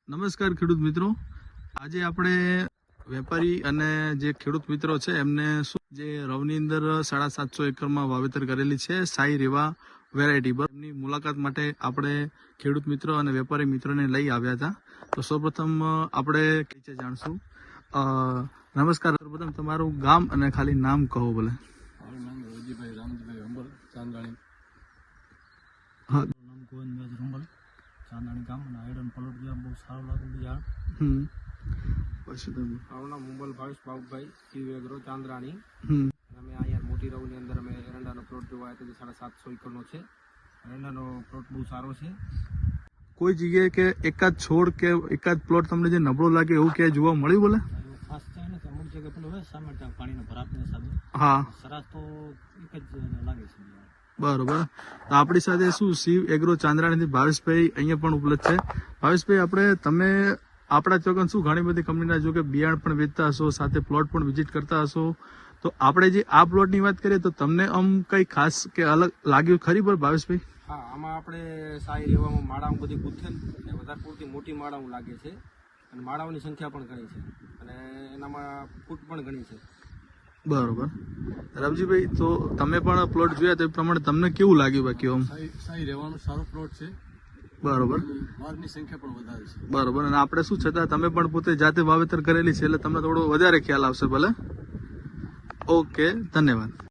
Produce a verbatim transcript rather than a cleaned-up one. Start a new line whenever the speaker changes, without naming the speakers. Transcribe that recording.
નમસ્કાર ખેડૂત મિત્રો, આજે આપણે વેપારી અને જે ખેડૂત મિત્રો છે એમને શું જે રવની અંદર સાડા સાતસો એકરમાં વાવેતર કરેલી છે સાઈ રેવા વેરાયટી પર એમની મુલાકાત માટે આપણે ખેડૂત મિત્રો અને વેપારી મિત્રોને લઈ આવ્યા હતા. તો સૌપ્રથમ આપણે કઈ જાણશું. નમસ્કાર, સૌપ્રથમ તમારું ગામ અને ખાલી નામ કહો ભલે.
મારું નામ રોજીભાઈ રામજીભાઈ અંબલ ચાંદાણી.
હા,
નામ ગોવિંદભાઈ રૂંબલ ચાંદાણી ગામ અને આયરન પલોટ ગયા બહુ સારું લાગ્યું યાર.
હમ પછી તમે
મારું નામ મુંબલ ભાવેશ બાબુભાઈ ટીવી એગ્રો ચાંદરાણી.
હમ
અમે અહીંયા મોટી રવની અંદર અમે એરંડાનો પ્લોટ જોવા આવ્યા હતા જે સાડા સાતસો એકરનો છે. એરંડાનો પ્લોટ બહુ સારો છે.
કોઈ જગ્યાએ કે એકાદ છોડ કે એકાદ પ્લોટ તમને જે નબળો લાગે એવું ક્યાંય જોવા મળ્યું બોલે?
એવું ખાસ છે ને અમુક જગ્યાએ પેલું હોય સામે ત્યાં પાણીના ભરાપની હિસાબે
હા,
સરાસ તો એક જ લાગે છે યાર.
બરોબર. તો આપણી સાથે શું શિવ એગ્રો ચાંદ્રાણીથી ભાવેશભાઈ અહીંયા પણ ઉપલબ્ધ છે. ભાવેશભાઈ, આપણે તમે આપણા ચોકન શું ઘણી બધી કંપનીના જો કે બિયારણ પણ વેચતા હશો, સાથે પ્લોટ પણ વિઝિટ કરતા હશો, તો આપણે જે આ પ્લોટની વાત કરીએ તો તમને આમ કઈ ખાસ કે અલગ લાગ્યું ખરી પર ભાવેશભાઈ?
હા, આમાં આપણે સાઈ રેવામાં માળાઓ બધી ગુથેલ અને વધારે પૂરતી મોટી માળાઓ લાગે છે અને માળાઓની સંખ્યા પણ ઘણી છે અને એનામાં ફૂટ પણ ઘણી છે.
બરોબર. રવજીભાઈ, તો તમે પણ પ્લોટ જોયા તો એ પ્રમાણે તમને કેવું લાગ્યું બાકી આમ?
સાઈ સાઈ રહેવાનો સારો પ્લોટ છે.
બરોબર
માળની સંખ્યા પણ વધારે છે.
બરોબર. અને આપણે શું છતાં તમે પણ પોતે જાતે વાવેતર કરેલી છે એટલે તમને થોડો વધારે ખ્યાલ આવશે ભલે. ઓકે, ધન્યવાદ.